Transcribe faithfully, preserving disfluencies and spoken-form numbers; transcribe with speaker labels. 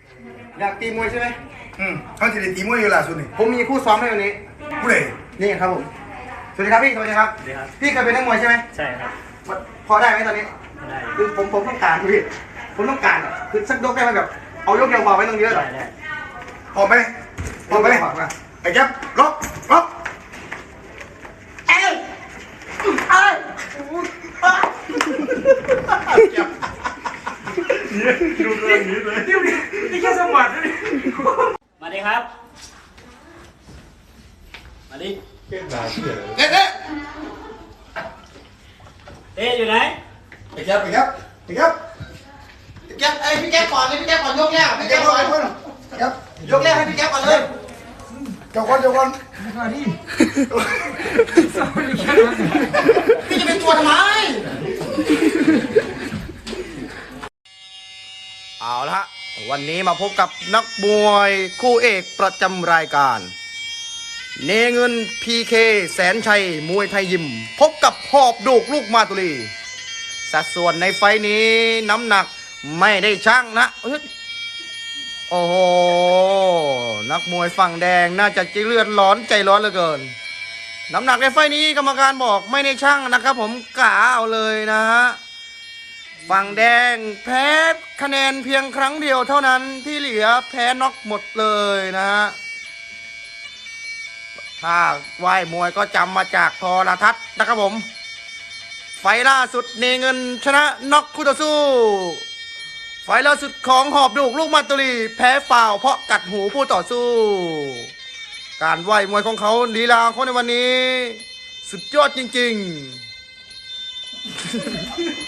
Speaker 1: อยากตีมวยใช่ไหม
Speaker 2: อืมเขาจะได้ตีมวยอยู่ล่าสุดนี่
Speaker 1: ผมมีคู่ซ้อมให้วันนี้
Speaker 2: ผู้ใด
Speaker 1: นี่ครับผมสวัสดีครับพี่สวัสดีครับพี่เคยเป็นนักมวยใช่ไหม
Speaker 3: ใช่ครับ
Speaker 1: พอได้ไหมตอนนี้
Speaker 3: ได้
Speaker 1: คือผมผมต้องการพี่ผมต้องการคือสักยกได้ไหมแบบเอายกเดียวพอไม่ต้องเยอะหรอก
Speaker 2: พอไหมพอไหมไอ้แก๊ปล็อกล็อก
Speaker 1: เอ้ยเอ้ย
Speaker 2: ดูเรื่องนี้เลย
Speaker 1: นี่แค่สมัครเลย
Speaker 3: มาดิครับมาดิ
Speaker 2: เก่งหนาเชื่อเอ๊ะเอ๊ะ
Speaker 3: เอ๊ะอยู่ไหน
Speaker 2: ไอ้แก๊ปไอ้แก๊ปไอ้แก๊ป
Speaker 1: แก๊ปไอ้พี่แก๊ปก่อนเลยพี่แก๊ปก่อนยกแรกพี่แก๊ปก่อน
Speaker 2: แก๊ป
Speaker 1: ยกแรกให้พี่แก๊ปก่อนเลย
Speaker 2: เจ้าคนเจ้าคน
Speaker 1: พี่จะเป็นตัวทำไมเอาละฮะวันนี้มาพบกับนักมวยคู่เอกประจำรายการเนเงิน พี เค แสนชัยมวยไทยยิมพบกับหอบดูกลูกมาตุลีสัดส่วนในไฟนี้น้ำหนักไม่ได้ชั่งนะโอ้โหนักมวยฝั่งแดงน่าจะใจเลือดร้อนใจร้อนเหลือเกินน้ำหนักในไฟนี้กรรมการบอกไม่ได้ชั่งนะครับผมกะเอาเลยนะฮะฝั่งแดงแพ้คะแนนเพียงครั้งเดียวเท่านั้นที่เหลือแพ้น็อกหมดเลยนะฮะถ้าว่ายมวยก็จำมาจากโทรทัศน์นะครับผมไฟล่าสุดเนเงินชนะน็อกคู่ต่อสู้ไฟล่าสุดของหอบดูกลูกมาตุลีแพ้ฝ่าวเพราะกัดหูผู้ต่อสู้การว่ายมวยของเขาลีลาเขาในวันนี้สุดยอดจริงๆ